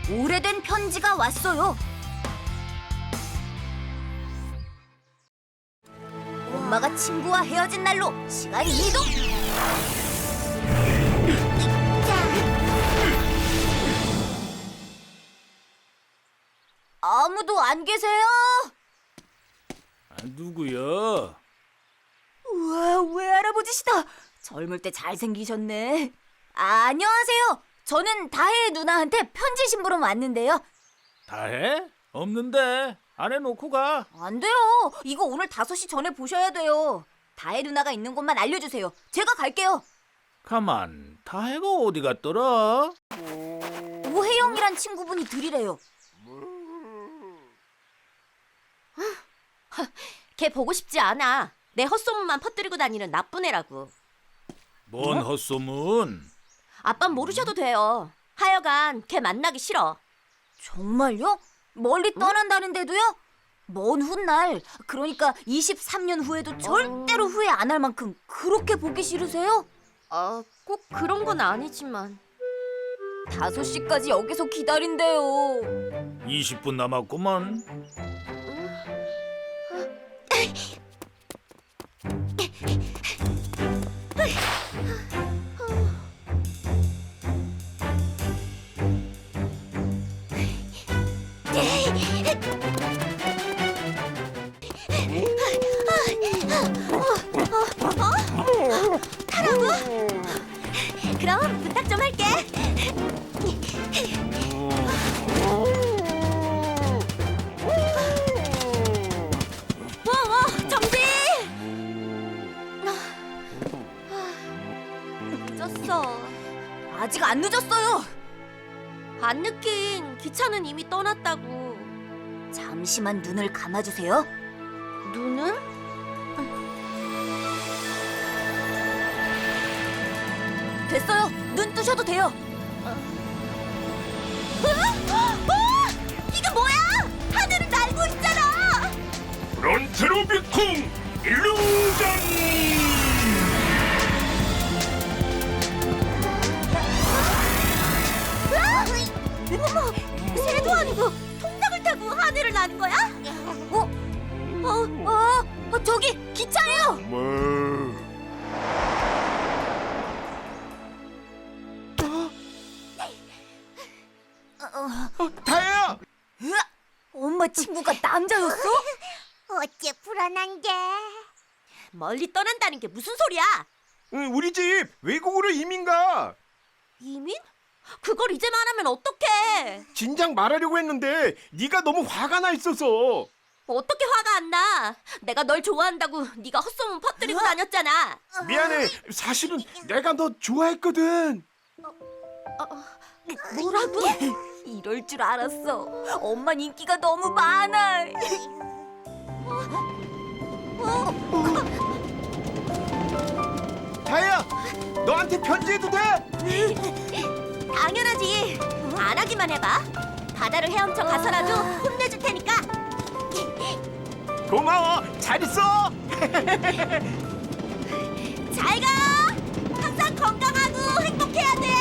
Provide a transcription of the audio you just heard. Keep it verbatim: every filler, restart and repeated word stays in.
오래된 편지가 왔어요. 엄마가 친구와 헤어진 날로 시간 이동! 아무도 안 계세요? 아, 누구야? 우와, 외할아버지시다. 젊을 때 잘생기셨네. 아, 안녕하세요. 저는 다혜 누나한테 편지 심부름 왔는데요. 다해? 없는데. 안에 놓고 가. 안 돼요. 이거 오늘 다섯 시 전에 보셔야 돼요. 다혜 누나가 있는 곳만 알려주세요. 제가 갈게요. 가만, 다해가 어디 갔더라? 오혜영이란 친구분이 드리래요. 걔 보고 싶지 않아. 내 헛소문만 퍼뜨리고 다니는 나쁜 애라고. 뭔 어? 헛소문? 아빤 모르셔도 돼요. 하여간 걔 만나기 싫어. 정말요? 멀리 떠난다는데도요? 먼 훗날, 그러니까 이십삼 년 후에도 절대로 후회 안 할 만큼 그렇게 보기 싫으세요? 어, 꼭 그런 건 아니지만. 다섯 시까지 여기서 기다린대요. 이십 분 남았구만. 그럼 부탁 좀 할게. 와, 와, 정지! 늦었어. 아직 안 늦었어요. 안 늦긴 기차는 이미 떠났다고. 잠시만 눈을 감아주세요. 눈은? 됐어요. 눈 뜨셔도 돼요. 이게 뭐야? 하늘을 날고 있잖아. 프론트로 비쿵 일루전! 어머, 새도 아니고 통닭을 타고 하늘을 나는 거야? 어? 어? 어? 어 저기 기차예요. 다혜야! 으악! 엄마 친구가 남자였어? 어째 불안한데? 멀리 떠난다는 게 무슨 소리야? 응, 우리 집 외국으로 이민 가. 이민? 그걸 이제 말하면 어떡해? 진작 말하려고 했는데 네가 너무 화가 나 있어서. 어떻게 화가 안 나? 내가 널 좋아한다고 네가 헛소문 퍼뜨리고 다녔잖아. 미안해. 사실은 내가 너 좋아했거든. 뭐라고? 이럴 줄 알았어. 엄마 인기가 너무 많아. 다혜야, 너한테 편지해도 돼? 당연하지. 안 하기만 해봐. 바다를 헤엄쳐 가서라도 혼내줄 테니까. 고마워. 잘 있어. 잘 가. 항상 건강하고 행복해야 돼.